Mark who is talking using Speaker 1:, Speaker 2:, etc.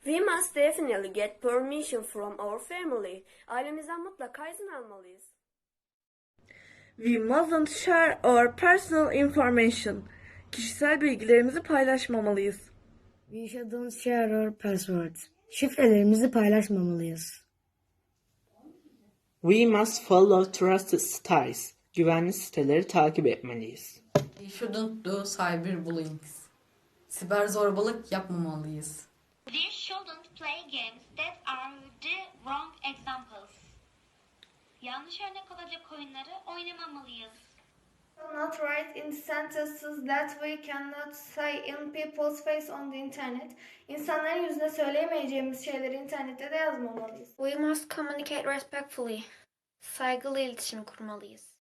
Speaker 1: We must definitely get permission from our family. Ailemizden mutlaka izin almalıyız.
Speaker 2: We mustn't share our personal information. Kişisel bilgilerimizi paylaşmamalıyız.
Speaker 3: We shouldn't share our passwords. Şifrelerimizi paylaşmamalıyız.
Speaker 4: We must follow trusted sites. Güvenli siteleri takip etmeliyiz.
Speaker 5: We shouldn't do cyberbullying. Siber zorbalık yapmamalıyız.
Speaker 6: We shouldn't play games that are the wrong examples. Yanlış örnek olacak oyunları oynamamalıyız.
Speaker 7: Not write in sentences that we cannot say in people's face on the internet. İnsanların yüzüne söyleyemeyeceğimiz şeyleri internette de yazmamalıyız.
Speaker 8: We must communicate respectfully. Saygılı iletişim kurmalıyız.